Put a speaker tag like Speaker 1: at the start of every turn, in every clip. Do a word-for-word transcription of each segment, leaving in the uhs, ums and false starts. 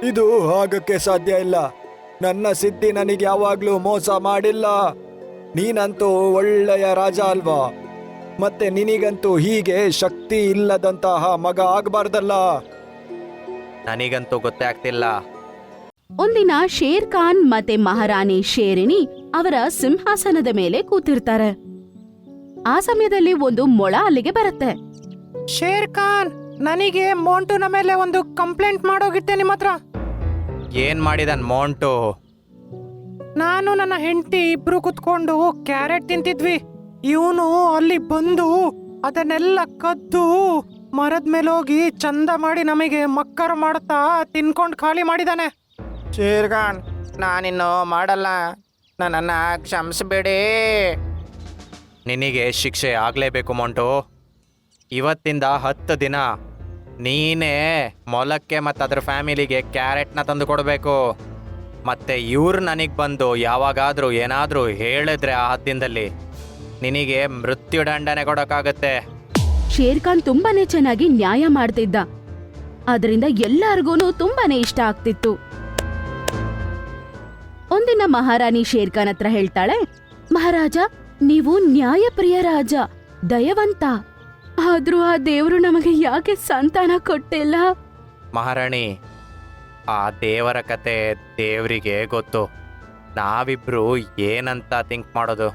Speaker 1: ಇದು ಆಗಕ್ಕೆ ಸಾಧ್ಯ ಇಲ್ಲ. ನನ್ನ ಸಿದ್ಧಿ ನನಗೆ ಯಾವಾಗ್ಲೂ ಮೋಸ ಮಾಡಿಲ್ಲ. ನೀನಂತೂ ಒಳ್ಳೆಯ ರಾಜ ಅಲ್ವಾ? ಮತ್ತೆ ನಿನಗಂತೂ ಹೀಗೆ ಶಕ್ತಿ ಇಲ್ಲದಂತಹ ಮಗ ಆಗ್ಬಾರ್ದಲ್ಲ.
Speaker 2: ನನಗಂತೂ ಗೊತ್ತೇ ಆಗ್ತಿಲ್ಲ.
Speaker 3: ಒಂದಿನ ಶೇರ್ ಖಾನ್ ಮತ್ತೆ ಮಹಾರಾಣಿ ಶೇರಿನಿ ಅವರ ಸಿಂಹಾಸನದ ಮೇಲೆ ಕೂತಿರ್ತಾರೆ. ಆ ಸಮಯದಲ್ಲಿ ಒಂದು ಮೊಳ ಅಲ್ಲಿಗೆ ಬರುತ್ತೆ.
Speaker 4: ಶೇರ್ ಖಾನ್, ನನಗೆ ಮೋಂಟುನ ಮೇಲೆ ಒಂದು ಕಂಪ್ಲೇಂಟ್ ಮಾಡೋಗಿತ್ತೆ ನಿಮ್ಮ ಹತ್ರ.
Speaker 2: ಏನ್ ಮಾಡಿದನ್ ಮೋಂಟು?
Speaker 4: ನಾನು ನನ್ನ ಹೆಂಡತಿ ಇಬ್ರು ಕುತ್ಕೊಂಡು ಕ್ಯಾರೆಟ್ ತಿಂತಿದ್ವಿ. ಇವನು ಅಲ್ಲಿ ಬಂದು ಅದನ್ನೆಲ್ಲ ಕದ್ದು ಮರದ ಮೇಲೆ ಹೋಗಿ ಚಂದ ಮಾಡಿ ನಮಗೆ ಮಕ್ಕರು ಮಾಡುತ್ತಾ ತಿನ್ಕೊಂಡು ಖಾಲಿ ಮಾಡಿದಾನೆ. ಶೇರ್ ಖಾನ್, ನಾನಿನ್ನು ಮಾಡಲ್ಲ, ನನ್ನನ್ನ ಕ್ಷಮಿಸಬೇಡಿ.
Speaker 2: ನಿನಗೆ ಶಿಕ್ಷೆ ಆಗ್ಲೇಬೇಕು ಮೋಂಟು. ಇವತ್ತಿಂದ ಹತ್ತು ದಿನ ನೀನೇ ಮೊಲಕ್ಕೆ ಮತ್ತು ಅದ್ರ ಫ್ಯಾಮಿಲಿಗೆ ಕ್ಯಾರೆಟ್ನ ತಂದು ಕೊಡಬೇಕು. ಮತ್ತೆ ಇವ್ರು ನನಗೆ ಬಂದು ಯಾವಾಗಾದರೂ ಏನಾದರೂ ಹೇಳಿದ್ರೆ ಆ ಹದ್ದಿನದಲ್ಲಿ ನಿನಗೆ ಮೃತ್ಯುದಂಡನೆ ಕೊಡೋಕ್ಕಾಗತ್ತೆ.
Speaker 3: ಶೇರ್ ಖಾನ್ ತುಂಬಾನೇ ಚೆನ್ನಾಗಿ ನ್ಯಾಯ ಮಾಡ್ತಿದ್ದ. ಅದರಿಂದ ಎಲ್ಲಾರ್ಗೂನು ತುಂಬಾನೇ ಇಷ್ಟ ಆಗ್ತಿತ್ತು. ಒಂದಿನ ಮಹಾರಾಣಿ ಶೇರ್ ಖಾನ್ ಹತ್ರ ಹೇಳ್ತಾಳೆ, ಮಹಾರಾಜ, ನೀವು ನ್ಯಾಯಪ್ರಿಯ ರಾಜ, ದಯವಂತ. ಆದ್ರೂ ಆ ದೇವ್ರು ನಮಗೆ ಯಾಕೆ ಸಂತಾನ ಕೊಟ್ಟಿಲ್ಲ?
Speaker 2: ಮಹಾರಾಣಿ, ಆ ದೇವರ ಕತೆ ದೇವರಿಗೆ ಗೊತ್ತು. ನಾವಿಬ್ರು ಏನಂತ ಥಿಂಕ್ ಮಾಡೋದು?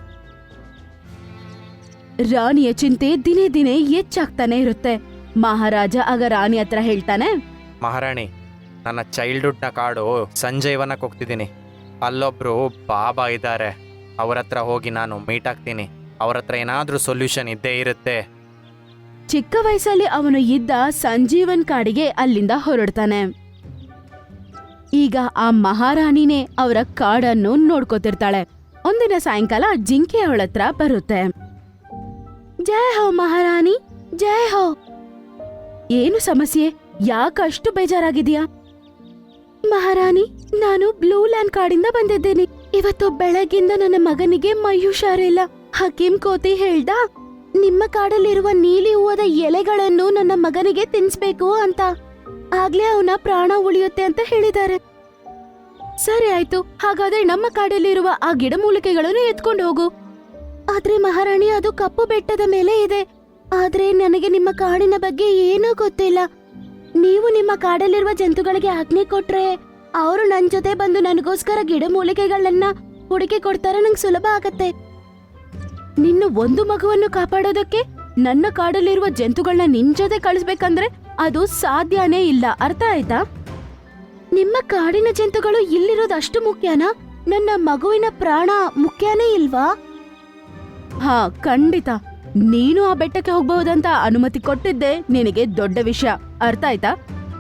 Speaker 3: ರಾಣಿಯ ಚಿಂತೆ ದಿನೇ ದಿನೇ ಹೆಚ್ಚಾಗ್ತಾನೆ ಇರುತ್ತೆ. ಮಹಾರಾಜ ಆಗ ರಾಣಿ ಹತ್ರ ಹೇಳ್ತಾನೆ,
Speaker 2: ಮಹಾರಾಣಿ, ನನ್ನ ಚೈಲ್ಡ್ಹುಡ್ನ ಕಾಡು ಸಂಜೀವನಕ್ಕೆ ಹೋಗ್ತಿದ್ದೀನಿ. ಅಲ್ಲೊಬ್ರು ಬಾಬಾ ಇದ್ದಾರೆ. ಅವ್ರ ಹತ್ರ ಹೋಗಿ ನಾನು ಮೀಟ್ ಆಗ್ತೀನಿ. ಅವ್ರ ಹತ್ರ ಏನಾದರೂ ಸೊಲ್ಯೂಷನ್ ಇದ್ದೇ ಇರುತ್ತೆ.
Speaker 3: ಚಿಕ್ಕ ವಯಸ್ಸಲ್ಲಿ ಅವನು ಇದ್ದ ಸಂಜೀವನ್ ಕಾಡಿಗೆ ಅಲ್ಲಿಂದ ಹೊರಡ್ತಾನೆ. ಈಗ ಆ ಮಹಾರಾಣಿನೇ ಅವರ ಕಾಡನ್ನು ನೋಡ್ಕೋತಿರ್ತಾಳೆ. ಒಂದಿನ ಸಾಯಂಕಾಲ ಜಿಂಕೆ ಅವಳ ಹತ್ರ ಬರುತ್ತೆ. ಜಯ ಹೋ ಮಹಾರಾಣಿ, ಜಯ ಹೋ. ಏನು ಸಮಸ್ಯೆ? ಯಾಕಷ್ಟು ಬೇಜಾರಾಗಿದೆಯಾ? ಮಹಾರಾಣಿ, ನಾನು ಬ್ಲೂ ಲ್ಯಾಂಡ್ ಕಾಡಿಂದ ಬಂದಿದ್ದೇನೆ. ಇವತ್ತು ಬೆಳಗಿಂದ ನನ್ನ ಮಗನಿಗೆ ಮೈ ಹುಷಾರಿಲ್ಲ. ಹಕೀಂ ಕೋತಿ ಹೇಳ್ದ, ನಿಮ್ಮ ಕಾಡಲ್ಲಿರುವ ನೀಲಿ ಹೂವದ ಎಲೆಗಳನ್ನು ನನ್ನ ಮಗನಿಗೆ ತಿನ್ಸ್ಬೇಕು ಅಂತ. ಆಗ್ಲೇ ಅವನ ಪ್ರಾಣ ಉಳಿಯುತ್ತೆ ಅಂತ ಹೇಳಿದ್ದಾರೆ. ಸರಿ ಆಯ್ತು, ಹಾಗಾದ್ರೆ ನಮ್ಮ ಕಾಡಲ್ಲಿರುವ ಆ ಗಿಡಮೂಲಿಕೆಗಳನ್ನು ಎತ್ಕೊಂಡು ಹೋಗು. ಆದ್ರೆ ಮಹಾರಾಣಿ, ಅದು ಕಪ್ಪು ಬೆಟ್ಟದ ಮೇಲೆ ಇದೆ. ಆದ್ರೆ ನನಗೆ ನಿಮ್ಮ ಕಾಡಿನ ಬಗ್ಗೆ ಏನೂ ಗೊತ್ತಿಲ್ಲ. ನೀವು ನಿಮ್ಮ ಕಾಡಲ್ಲಿರುವ ಜಂತುಗಳಿಗೆ ಆಜ್ಞೆ ಕೊಟ್ರೆ ಅವರು ನನ್ ಜೊತೆ ಬಂದು ನನಗೋಸ್ಕರ ಗಿಡಮೂಲಿಕೆಗಳನ್ನ ಹುಡುಕಿ ಕೊಡ್ತಾರೆ. ನಂಗೆ ಸುಲಭ ಆಗತ್ತೆ. ನಿನ್ನ ಒಂದು ಮಗುವನ್ನು ಕಾಪಾಡೋದಕ್ಕೆ ನನ್ನ ಕಾಡಲ್ಲಿರುವ ಜಂತುಗಳನ್ನ ನಿನ್ ಜೊತೆ ಕಳಿಸ್ಬೇಕಂದ್ರೆ ಅದು ಸಾಧ್ಯನೇ ಇಲ್ಲ. ಅರ್ಥ ಆಯ್ತಾ? ನಿಮ್ಮ ಕಾಡಿನ ಜಂತುಗಳು ಇಲ್ಲಿರೋದು ಅಷ್ಟು ಮುಖ್ಯನಾ? ನನ್ನ ಮಗುವಿನ ಪ್ರಾಣ ಮುಖ್ಯನೇ ಇಲ್ವಾ? ಹಾ, ಖಂಡಿತ. ನೀನು ಆ ಬೆಟ್ಟಕ್ಕೆ ಹೋಗ್ಬಹುದಂತ ಅನುಮತಿ ಕೊಟ್ಟಿದ್ದೆ ನಿನಗೆ ದೊಡ್ಡ ವಿಷಯ. ಅರ್ಥ ಆಯ್ತಾ?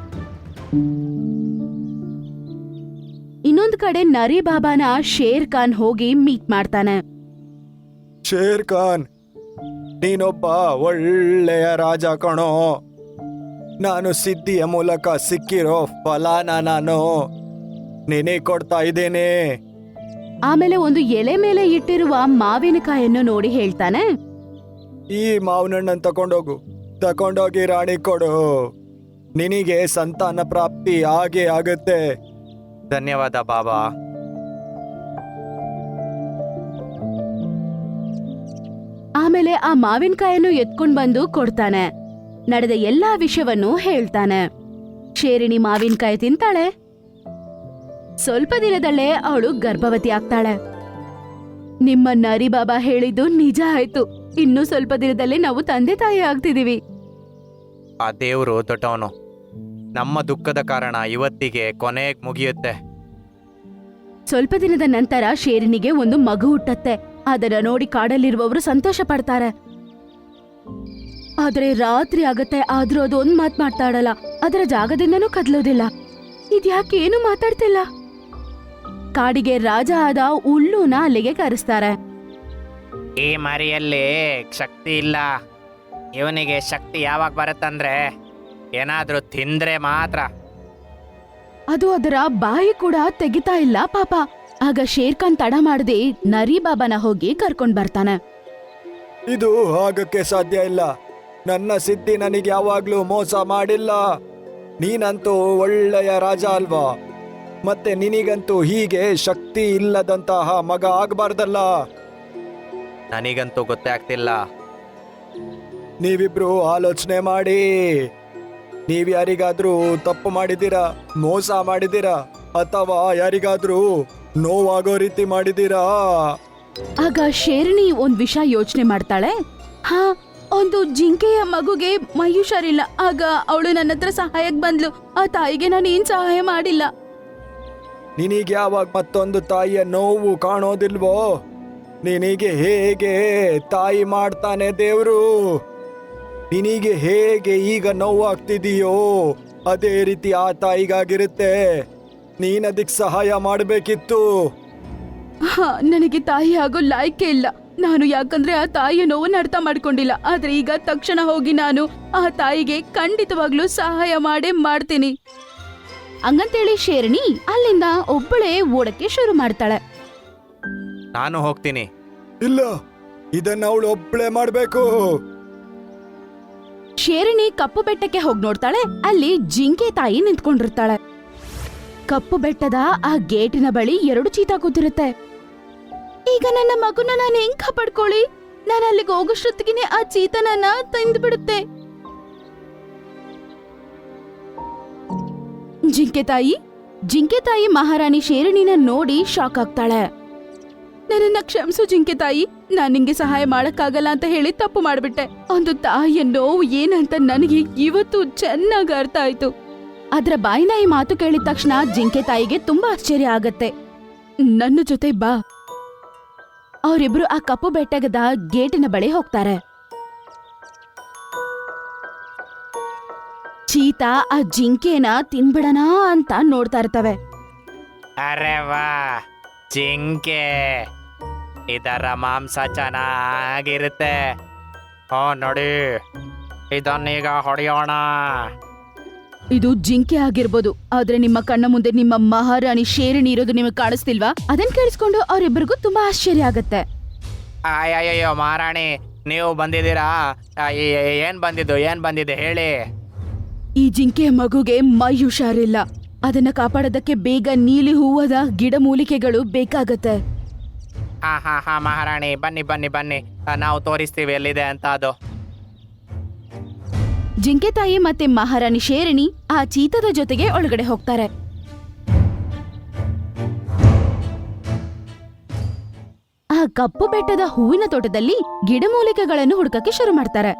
Speaker 3: ಇನ್ನೊಂದು ಕಡೆ ನರಿ ಬಾಬಾನ ಶೇರ್ ಖಾನ್ ಹೋಗಿ ಮೀಟ್ ಮಾಡ್ತಾನೆ.
Speaker 1: ಶೇರ್ ಖಾನ್, ನೀನೊಬ್ಬ ಒಳ್ಳೆಯ ರಾಜ ಕಣೋ. ನಾನು ಸಿದ್ಧಿಯ ಮೂಲಕ ಸಿಕ್ಕಿರೋ ಫಲಾನ ನಾನು ನಿನಗೆ ಕೊಡ್ತಾ ಇದ್ದೇನೆ.
Speaker 3: ಆಮೇಲೆ ಒಂದು ಎಲೆ ಮೇಲೆ ಇಟ್ಟಿರುವ ಮಾವಿನಕಾಯನ್ನು ನೋಡಿ ಹೇಳ್ತಾನೆ,
Speaker 1: ಈ ಮಾವಿನ ಹಣ್ಣನ್ನು ತಕೊಂಡೋಗು, ತಕೊಂಡೋಗಿ ರಾಣಿ ಕೊಡು. ನಿನಗೆ ಸಂತಾನ ಪ್ರಾಪ್ತಿ ಆಗೇ ಆಗುತ್ತೆ.
Speaker 2: ಧನ್ಯವಾದ ಬಾಬಾ.
Speaker 3: ಆಮೇಲೆ ಆ ಮಾವಿನಕಾಯನ್ನು ಎತ್ಕೊಂಡ್ ಬಂದು ಕೊಡ್ತಾನೆ. ನಡೆದ ಎಲ್ಲಾ ವಿಷಯವನ್ನು ಹೇಳ್ತಾನೆ. ಶೇರಿನಿ ಮಾವಿನಕಾಯಿ ತಿಂತಾಳೆ. ಸ್ವಲ್ಪ ದಿನದಲ್ಲೇ ಅವಳು ಗರ್ಭವತಿ ಆಗ್ತಾಳೆ. ನಿಮ್ಮ ನರಿ ಬಾಬಾ ಹೇಳಿದ್ದು ನಿಜ ಆಯ್ತು. ಇನ್ನು ಸ್ವಲ್ಪ ದಿನದಲ್ಲೇ ನಾವು ತಂದೆ ತಾಯಿ ಆಗ್ತಿದೀವಿ.
Speaker 2: ಆ ದೇವರು ದೊಡ್ಡವನು. ನಮ್ಮ ದುಃಖದ ಕಾರಣ ಇವತ್ತಿಗೆ ಕೊನೆಗೆ ಮುಗಿಯುತ್ತೆ.
Speaker 3: ಸ್ವಲ್ಪ ದಿನದ ನಂತರ ಶೇರಿನಿಗೆ ಒಂದು ಮಗು ಹುಟ್ಟತ್ತೆ. ಅದನ್ನ ನೋಡಿ ಕಾಡಲ್ಲಿರುವವರು ಸಂತೋಷ ಪಡ್ತಾರೆ. ಆದ್ರೆ ರಾತ್ರಿ ಆಗತ್ತೆ, ಆದ್ರೂ ಅದು ಒಂದ್ ಮಾತ್ ಮಾತಾಡಲ್ಲ. ಅದರ ಜಾಗದಿಂದನೂ ಕದ್ಲೋದಿಲ್ಲ. ಇದ್ಯಾಕೆ ಏನು ಮಾತಾಡ್ತಿಲ್ಲ? ಕಾಡಿಗೆ ರಾಜ ಆದ ಉಲ್ಲೂನ ಅಲ್ಲಿಗೆ ಕರೆಸ್ತಾರೆ.
Speaker 4: ಈ ಮರಿಯಲ್ಲಿ ಶಕ್ತಿ ಇಲ್ಲ. ಇವನಿಗೆ ಶಕ್ತಿ ಯಾವಾಗ ಬರುತ್ತಂದ್ರೆ ಏನಾದ್ರೂ ತಿಂದ್ರೆ ಮಾತ್ರ.
Speaker 3: ಅದು ಅದರ ಬಾಯಿ ಕೂಡ ತೆಗಿತಾ ಇಲ್ಲ ಪಾಪ. ಆಗ ಶೇರ್ ಖಾನ್ ತಡ ಮಾಡದೆ ನರಿ ಬಾಬಾನ ಹೋಗಿ ಕರ್ಕೊಂಡ್ ಬರ್ತಾನೆ.
Speaker 1: ಇದು ಆಗಕ್ಕೆ ಸಾಧ್ಯ ಇಲ್ಲ. ನನ್ನ ಸಿದ್ಧಿ ನನಗೆ ಯಾವಾಗ್ಲೂ ಮೋಸ ಮಾಡಿಲ್ಲ. ನೀನಂತೂ ಒಳ್ಳೆಯ ರಾಜ ಅಲ್ವಾ? ಮತ್ತೆ ನಿನಗಂತೂ ಹೀಗೆ ಶಕ್ತಿ ಇಲ್ಲದಂತಹ ಮಗ ಆಗ್ಬಾರ್ದಲ್ಲ.
Speaker 2: ನನಗಂತೂ ಗೊತ್ತೇ ಆಗ್ತಿಲ್ಲ.
Speaker 1: ನೀವಿಬ್ರು ಆಲೋಚನೆ ಮಾಡಿ. ನೀವ್ ಯಾರಿಗಾದ್ರೂ ತಪ್ಪು ಮಾಡಿದ್ದೀರಾ, ಮೋಸ ಮಾಡಿದ್ದೀರಾ, ಅಥವಾ ಯಾರಿಗಾದ್ರೂ ನೋವಾಗೋ ರೀತಿ ಮಾಡಿದ್ದೀರಾ?
Speaker 3: ಆಗ ಶೇರಣಿ ಒಂದ್ ವಿಷಯ ಯೋಚನೆ ಮಾಡ್ತಾಳೆ. ಹಾ, ಒಂದು ಜಿಂಕೆಯ ಮಗುಗೆ ಮೈ ಹುಷಾರಿಲ್ಲ. ಆಗ ಅವಳು ನನ್ನ ಹತ್ರ ಸಹಾಯಕ್ ಬಂದ್ಲು. ಆ ತಾಯಿಗೆ ನಾನು ಏನ್ ಸಹಾಯ ಮಾಡಿಲ್ಲ.
Speaker 1: ನಿನಗೆ ಯಾವಾಗ ಮತ್ತೊಂದು ತಾಯಿಯ ನೋವು ಕಾಣೋದಿಲ್ವೋ? ನಿನಗೆ ಹೇಗೆ ತಾಯಿ ಮಾಡ್ತಾನೆ ದೇವ್ರು? ನಿನಗೆ ಹೇಗೆ ಈಗ ನೋವಾಗ್ತಿದೀಯೋ ಅದೇ ರೀತಿ ಆ ತಾಯಿಗಾಗಿರುತ್ತೆ. ನೀನದಕ್ಕೆ ಸಹಾಯ ಮಾಡಬೇಕಿತ್ತು.
Speaker 3: ಹಾ, ನನಗೆ ತಾಯಿ ಆಗೋ ಲಾಯ್ಕೆ ಇಲ್ಲ. ನಾನು ಯಾಕಂದ್ರೆ ಆ ತಾಯಿಯ ನೋವನ್ನು ಅರ್ಥ ಮಾಡ್ಕೊಂಡಿಲ್ಲ. ಆದ್ರೆ ಈಗ ತಕ್ಷಣ ಹೋಗಿ ನಾನು ಆ ತಾಯಿಗೆ ಖಂಡಿತವಾಗ್ಲೂ ಸಹಾಯ ಮಾಡೇ ಮಾಡ್ತೀನಿ. ಹಂಗಂತೇಳಿ ಶೇರಣಿ ಅಲ್ಲಿಂದ ಒಬ್ಬಳೇ ಓಡಕ್ಕೆ ಶುರು ಮಾಡ್ತಾಳೆ.
Speaker 2: ನಾನು ಹೋಗ್ತೀನಿ.
Speaker 1: ಇಲ್ಲ, ಇದನ್ನ ಅವಳು ಒಬ್ಳೆ ಮಾಡ್ಬೇಕು.
Speaker 3: ಶೇರಣಿ ಕಪ್ಪು ಬೆಟ್ಟಕ್ಕೆ ಹೋಗಿ ನೋಡ್ತಾಳೆ. ಅಲ್ಲಿ ಜಿಂಕೆ ತಾಯಿ ನಿಂತ್ಕೊಂಡಿರ್ತಾಳೆ. ಕಪ್ಪು ಬೆಟ್ಟದ ಆ ಗೇಟಿನ ಬಳಿ ಎರಡು ಚೀತಾ ಕೂತಿರುತ್ತೆ. ಈಗ ನನ್ನ ಮಗುನ ನಾನು ಹೆಂಗ್ ಕಾಪಾಡ್ಕೊಳ್ಳಿ? ನಾನು ಅಲ್ಲಿಗೆ ಹೋಗೋಷ್ಟೊತ್ತಿಗೆ ಆ ಚೀತಾ ನನ್ನ ತಂದು ಬಿಡುತ್ತೆ. ಜಿಂಕೆ ತಾಯಿ ಜಿಂಕೆ ತಾಯಿ ಮಹಾರಾಣಿ ಶೇರಣಿನ ನೋಡಿ ಶಾಕ್ ಆಗ್ತಾಳೆ. ನನ್ನನ್ನ ಕ್ಷಮಿಸು ಜಿಂಕೆ ತಾಯಿ, ನಾನ್ ನಿಂಗೆ ಸಹಾಯ ಮಾಡಕ್ಕಾಗಲ್ಲ ಅಂತ ಹೇಳಿ ತಪ್ಪು ಮಾಡ್ಬಿಟ್ಟೆ. ಒಂದು ತಾಯಿಯ ನೋವು ಏನಂತ ನನಗೆ ಇವತ್ತು ಚೆನ್ನಾಗಿ ಅರ್ಥ ಆಯ್ತು. ಅದ್ರ ಬಾಯಿನ ಈ ಮಾತು ಕೇಳಿದ ತಕ್ಷಣ ಜಿಂಕೆ ತಾಯಿಗೆ ತುಂಬಾ ಆಶ್ಚರ್ಯ ಆಗತ್ತೆ. ನನ್ನ ಜೊತೆ ಬಾ. ಅವರಿಬ್ರು ಆ ಕಪ್ಪು ಬೆಟ್ಟದ ಗೇಟಿನ ಬಳಿ ಹೋಗ್ತಾರೆ. ಚೀತಾ ಆ ಜಿಂಕೆನ ತಿನ್ಬಿಡಣ ಅಂತ ನೋಡ್ತಾ ಇರ್ತವೆ.
Speaker 2: ಅರೆ ವಾ, ಜಿಂಕೆ, ಇದರ ಮಾಂಸ ಚೆನ್ನಾಗಿರುತ್ತೆ. ಹೋ ನೋಡಿ, ಇದನ್ನೀಗ ಹೊಡೆಯೋಣ.
Speaker 3: ಇದು ಜಿಂಕೆ ಆಗಿರ್ಬೋದು, ಆದ್ರೆ ನಿಮ್ಮ ಕಣ್ಣ ಮುಂದೆ ನಿಮ್ಮ ಮಹಾರಾಣಿ ಶೇರಣಿ ಇರೋದು ನಿಮಗೆ ಕಾಣಿಸ್ತಿಲ್ವಾ? ಅದನ್ನ ಕೇಳಿಸ್ಕೊಂಡು ಅವರಿಬ್ಬರಿಗೂ ತುಂಬಾ ಆಶ್ಚರ್ಯ ಆಗತ್ತೆ.
Speaker 2: ಅಯ್ಯಯ್ಯೋ ಮಹಾರಾಣಿ, ನೀವು ಬಂದಿದ್ದೀರಾ? ಆ, ಏ- ಏ- ಏನ್ ಬಂದಿದ್ದು ಏನ್ ಬಂದಿದೆ ಹೇಳಿ.
Speaker 3: ಈ ಜಿಂಕೆಯ ಮಗುಗೆ ಮೈ ಹುಷಾರಿಲ್ಲ. ಅದನ್ನ ಕಾಪಾಡೋದಕ್ಕೆ ಬೇಗ ನೀಲಿ ಹೂವದ ಗಿಡಮೂಲಿಕೆಗಳು ಬೇಕಾಗತ್ತೆ.
Speaker 2: ಹಾ ಹಾ ಹಾ ಮಹಾರಾಣಿ, ಬನ್ನಿ ಬನ್ನಿ ಬನ್ನಿ, ಆ, ನಾವು ತೋರಿಸ್ತೀವಿ ಎಲ್ಲಿದೆ ಅಂತ ಅದು.
Speaker 3: ಜಿಂಕೆ ತಾಯಿ ಮತ್ತೆ ಮಹಾರಾಣಿ ಶೇರಣಿ ಆ ಚೀತದ ಜೊತೆಗೆ ಒಳಗಡೆ ಹೋಗ್ತಾರೆ. ಆ ಕಪ್ಪು ಬೆಟ್ಟದ ಹೂವಿನ ತೋಟದಲ್ಲಿ ಗಿಡಮೂಲಿಕೆಗಳನ್ನು ಹುಡುಕಕ್ಕೆ ಶುರು ಮಾಡ್ತಾರೆ.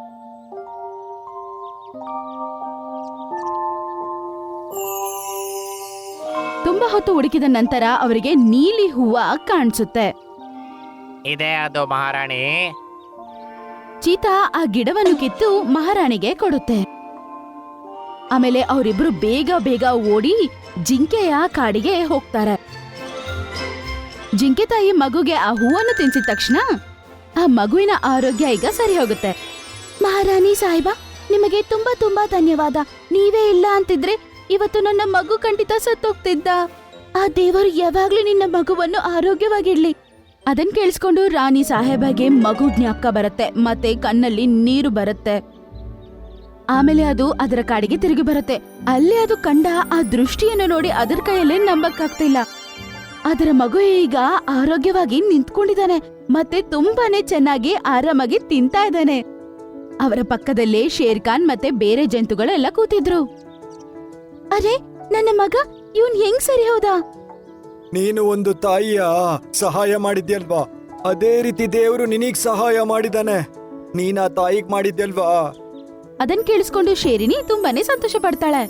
Speaker 3: ತುಂಬಾ ಹೊತ್ತು ಹುಡುಕಿದ ನಂತರ ಅವರಿಗೆ ನೀಲಿ ಹೂವ ಕಾಣಿಸುತ್ತೆ.
Speaker 2: ಇದೇ ಅದು ಮಹಾರಾಣಿ.
Speaker 3: ಚೀತಾ ಆ ಗಿಡವನ್ನು ಕಿತ್ತು ಮಹಾರಾಣಿಗೆ ಕೊಡುತ್ತೆ. ಆಮೇಲೆ ಅವರಿಬ್ರು ಬೇಗ ಬೇಗ ಓಡಿ ಜಿಂಕೆಯ ಕಾಡಿಗೆ ಹೋಗ್ತಾರೆ. ಜಿಂಕೆ ತಾಯಿ ಮಗುಗೆ ಆ ಹೂವನ್ನು ತಿನ್ಸಿದ ತಕ್ಷಣ ಆ ಮಗುವಿನ ಆರೋಗ್ಯ ಈಗ ಸರಿ ಹೋಗುತ್ತೆ. ಮಹಾರಾಣಿ ಸಾಹಿಬಾ, ನಿಮಗೆ ತುಂಬಾ ತುಂಬಾ ಧನ್ಯವಾದ. ನೀವೇ ಇಲ್ಲ ಅಂತಿದ್ರೆ ಇವತ್ತು ನನ್ನ ಮಗು ಖಂಡಿತ ಸತ್ತೋಗ್ತಿದ್ದ. ಆ ದೇವರು ಯಾವಾಗ್ಲೂ ನಿನ್ನ ಮಗುವನ್ನು ಆರೋಗ್ಯವಾಗಿಡ್ಲಿ. ಅದನ್ ಕೇಳಿಸ್ಕೊಂಡು ರಾಣಿ ಸಾಹೇಬಗೆ ಮಗು ಜ್ಞಾಪಕ ಬರುತ್ತೆ, ಮತ್ತೆ ಕಣ್ಣಲ್ಲಿ ನೀರು ಬರುತ್ತೆ. ಆಮೇಲೆ ಅದು ಅದರ ಕಾಡಿಗೆ ತಿರುಗಿ ಬರುತ್ತೆ. ಅಲ್ಲಿ ಅದು ಕಂಡ ಆ ದೃಷ್ಟಿಯನ್ನು ನೋಡಿ ಅದರ ಕೈಯಲ್ಲೇ ನಂಬಕ್ಕಾಗ್ತಿಲ್ಲ. ಅದರ ಮಗು ಈಗ ಆರೋಗ್ಯವಾಗಿ ನಿಂತ್ಕೊಂಡಿದ್ದಾನೆ, ಮತ್ತೆ ತುಂಬಾನೇ ಚೆನ್ನಾಗಿ ಆರಾಮಾಗಿ ತಿಂತಾ ಇದ್ದಾನೆ. ಅವರ ಪಕ್ಕದಲ್ಲೇ ಶೇರ್ ಖಾನ್ ಮತ್ತೆ ಬೇರೆ ಜಂತುಗಳೆಲ್ಲ ಕೂತಿದ್ರು. ಅರೆ, ನನ್ನ ಮಗ ಇವನ್ ಹೆಂಗ್ ಸರಿ ಹೋದ?
Speaker 1: ನೀನು ಒಂದು ತಾಯಿಯ ಸಹಾಯ ಮಾಡಿದ್ಯಲ್ವಾ, ಅದೇ ರೀತಿ ದೇವರು ನಿನಗ್ ಸಹಾಯ ಮಾಡಿದಾನೆ. ನೀನ ತಾಯಿಗ್ ಮಾಡಿದ್ಯಲ್ವಾ?
Speaker 3: ಅದನ್ ಕೇಳಿಸ್ಕೊಂಡು ಶೇರಿನಿ ತುಂಬಾನೇ ಸಂತೋಷ ಪಡ್ತಾಳೆ.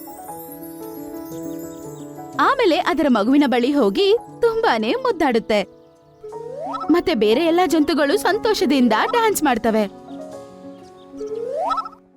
Speaker 3: ಆಮೇಲೆ ಅದರ ಮಗುವಿನ ಬಳಿ ಹೋಗಿ ತುಂಬಾನೇ ಮುದ್ದಾಡುತ್ತೆ. ಮತ್ತೆ ಬೇರೆ ಎಲ್ಲಾ ಜಂತುಗಳು ಸಂತೋಷದಿಂದ ಡ್ಯಾನ್ಸ್ ಮಾಡ್ತವೆ.